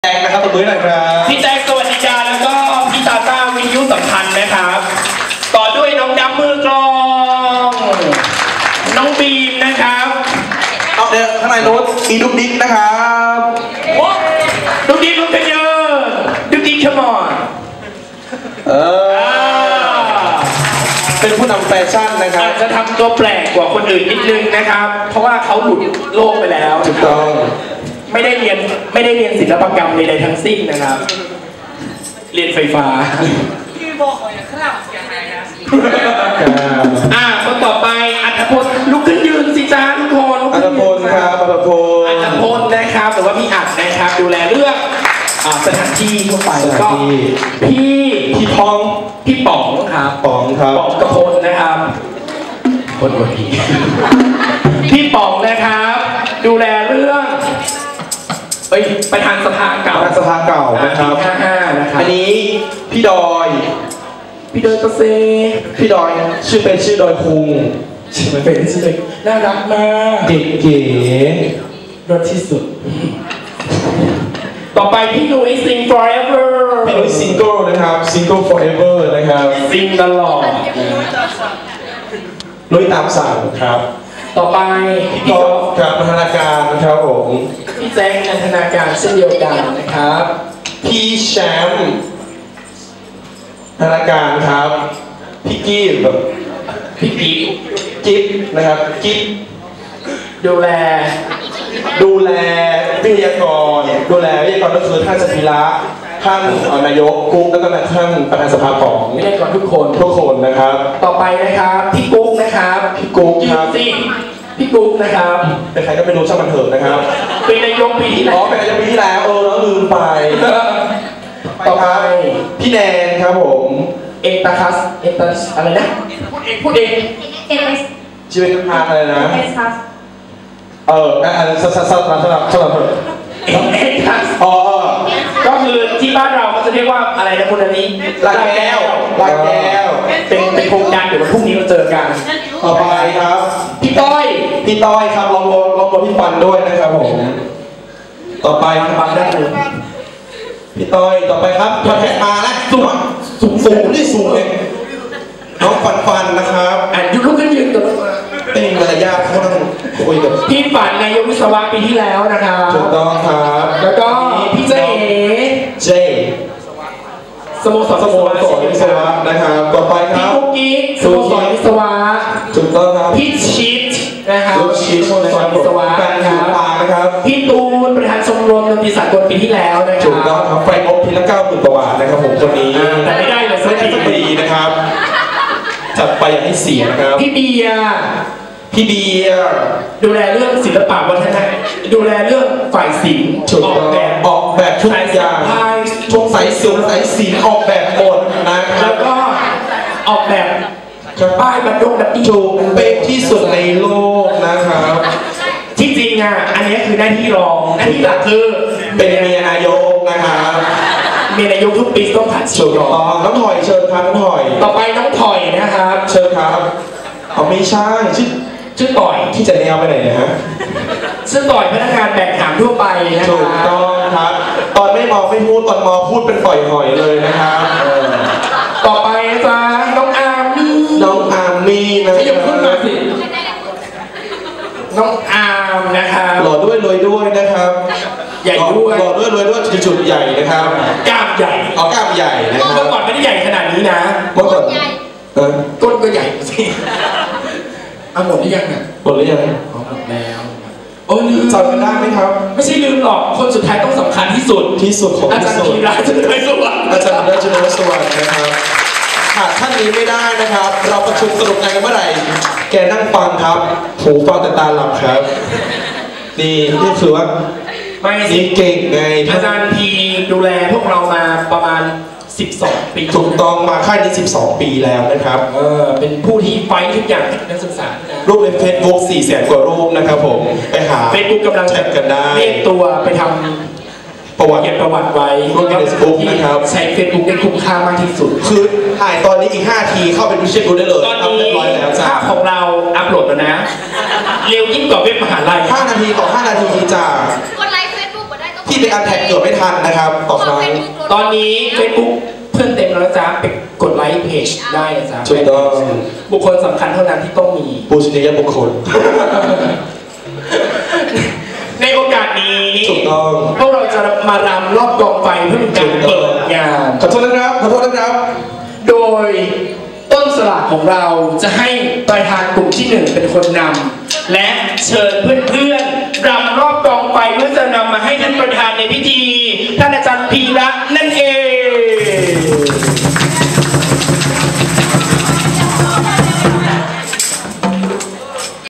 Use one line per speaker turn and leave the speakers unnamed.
แจ็คนะครับตัวมือหน่อยครับ
พี่แจ็คสวัสดีจ้าแล้วก็พี่ตาต้าวิทยุสัมพันธ์นะครับต่อด้วยน้องดำมือกลองน้องบีมนะครับ
เอาเดี๋ยวข้างในโน้ตอีดุ๊กดิ๊กนะครับ
ดุ๊กดิ๊กลุกกันเยอะดุ๊กดิ๊กขมอน
เป็นผู้นำแฟชั่นนะครับ
อาจจะทำตัวแปลกกว่าคนอื่นนิดนึงนะครับเพราะว่าเขาหลุดโลกไปแล้ว
ถูกต้อง
ไม่ได้เรียนศิลปกรรมใดๆทั้งสิ้นนะครับเรียนไฟฟ้า
พี่บอกอย่างข้างหลังเสียหายนะ
คนต่อไปอัธพลลุกขึ้นยืนสิจ้าทุกคน
อัธพลครับอัธพล
นะครับหรือว่าพี่อัดนะครับดูแลเรื่องสถานที่ทั่วไปแล้วก็พี่ป๋องครับ
ป๋อง
กระพลนะครับคนหัวผีพี่ป๋องนะครับดูแลเรื่องประธานสภาเก่า
นะครับ
นะครับ
อันนี้พี่ดอย
กเซ
พี่ดอยชื่อดอยคุง
ชื่อเป็นชื่อน่ารักมาก
เก๋
รสที่สุดต่อไปพี่นุ้ย Sing Forever
พี่นุ้ย Single นะครับ Single Forever นะครับ
Sing ตลอด
นุ้ยตามสั่งครับ
ต่อไป
พี่ก๊อฟครับพัฒนาการนะครับผม
พี่แจ็คนันทนาการเช่นเดียวกันนะครับ
พี่แชมป์พัฒนาการครับพี่กี้แบบ
พี่
กิ๊บนะครับกิ๊บ
ดูแล
วิทยากรก็คือท่านสถิระท่านนายกกุ๊กแล้วก็ท่านประธานสภาของ
วิทยากรทุก
คนนะครับ
ต่อไปนะครับพี่กุ๊กนะครับ
พี่กุ๊กครับ
พี่กุ๊กนะครับ
เป็นใครก็ไม่รู้ช่างมันเถอะนะครับ
เป็นนายกปีที่แล้ว
เป็นนายกปีที่แล้วแล้วลืมไปต่อไปพี่แนนครับผม
เอกตาคัสอะไรนะพูดเอง
ชีวิตทางอะไรนะสลับ
เอกทัสก็คือที่บ้านเราก็จะเรียกว่าอะไรนะคุณอันนี้
ลาแก้ว
เป็นโครงการเดี๋ยววันพรุ่งนี้เราเจอกัน
ต่อไปครับ
พี่ต้อย
ครับลองพี่ปันด้วยนะครับผมต่อไป
ปันได้เลย
พี่ต้อยต่อไปครับมาแทะมาแล้วสูงนี่สูงเลยน้องฟันนะครับ
ยุลุกขึ้นยืนกับ
เป็นมารยาทเขาต้องคุยกับ
พี่ฝันนายกวิศวะปีที่แล้วนะครับ
ถูกต้องครับ
แล้วก็พี่เจสโมสร
วิศวะนะครับต่อไปครับ
พี่กุ๊กกิ๊กสโมสรวิศวะ
ถูกต้องครับ
พี่ชิดนะครับ
สโมสรวิศวะนะครับ
พี่ตูนประธานชมรมดนตรีสากลปีที่แล้วนะครับ
ถูกต้องครับไฟอบทีละ90,000 กว่าบาทนะครับผมคนนี้
แต่ไม่ได้เลยสัก
ปีนะครับจัดไปอย่างให้เสียนะครับ
พี่เบียร์ดูแลเรื่องศิลปะวัฒนธรรมดูแลเรื่องฝ่ายศิลป์
ออกแบบทุกอย่างทุกสายศิลป์ออกแบบหมดนะครับ
แล้วก็ออกแบบป้ายบรรทุกแบบ
ถูกเป็นที่สุดในโลกนะครับ
ที่จริงอันนี้คือหน้าที่รองหน้าที่หลักคือ
เป็นเมียนายกนะครับ
เมียนายกทุกปีต้องผ่าน
ชิงน้องถอยเชิญครับน้องถอย
ต่อไปน้องถอยนะครับ
เชิญครับไม่ใช่
ชื่อต่อย
ที่จะแนวไปไหนนะฮะ
ชื่อต่อยพนักงานแบกหามทั่วไปนะครับ
ถูกต้องครับตอนไม่มองไม่พูดตอนมองพูดเป็นปล่อยหอยเลยนะครับ
ต่อไปจ้าน้องอาร์มี่
นะ
ขยับขึ้นมาสิน้องอาร์มนะครับ
หล่อด้วยรวยด้วยนะครับ
ใหญ่ด้วย
หล่อด้วยรวยด้วยจุดใหญ่นะครับ
กล้ามใหญ่
กล้ามใหญ่นะครับ
เมื่อก่อนไม่ได้ใหญ่ขนาดนี้นะ
เมื่อก่อน
ก้นก็ใหญ่สิหมดหรือยัง
หมดหรือยัง
หมดแล้ว
ลืมจำกันได้ไหมครับ
ไม่ใช่ลืมหรอกคนสุดท้ายต้องสำคัญที่สุด
ของ
อาจารย์ธีระจุลสวัสดิ์
นะครับขาดท่านนี้ไม่ได้นะครับเราประชุมสรุปงานกันเมื่อไหร่แกนั่งฟังครับหูฟังแต่ตาหลับครับนี่คือว่านี่เก่งไง
อาจารย์พีดูแลพวกเรามาประมาณ12 ปี
ถูกต้องมาค่ายนี้12 ปีแล้วนะครับ
เป็นผู้ที่ไฟทุกอย่างนักศึกษา
รูปใน Facebook 400,000 กว่ารูปนะครับผมไปหา
Facebook กำลัง
แชทกันได้
เรียกตัวไปทำประวัติไว้
รูปใน Facebook นะครับ
ใช้ Facebook ได้คุ้มค่ามากที่สุด
คือถ่ายตอนนี้อีก5 ทีเข้าไปดูเช็คดูได้เลย
ตอนนี้ภาพของเราอัพโหลดแล้วนะเร็วยิ่งกว่าเว็บมหาลัย
5 นาทีต่อ5 นาทีจ้า
กดไลค์ Facebook มาได้ก็
ที่ไปอันแท็กเกิดไม่ทันนะครับต่อครั้ง
ตอนนี้ Facebook เพื่อนเต็มแล้วจ้าไปกดไลค์เพจได้นะจ๊ะ
ถูกต้อง
บุคคลสำคัญเท่านั้นที่ต้องมี
ปูชนียบุคคล
ในโอกาสนี้
ถูกต้อง
พวกเราจะมารำรอบกองไฟเพื่อเป็นการเปิดงาน
ขอโทษนะครับขอโทษนะครับ
โดยต้นสลากของเราจะให้ประธานกลุ่มที่หนึ่งเป็นคนนำและเชิญเพื่อนๆรำรอบกองไฟเพื่อจะนำมาให้ท่านประธานในพิธี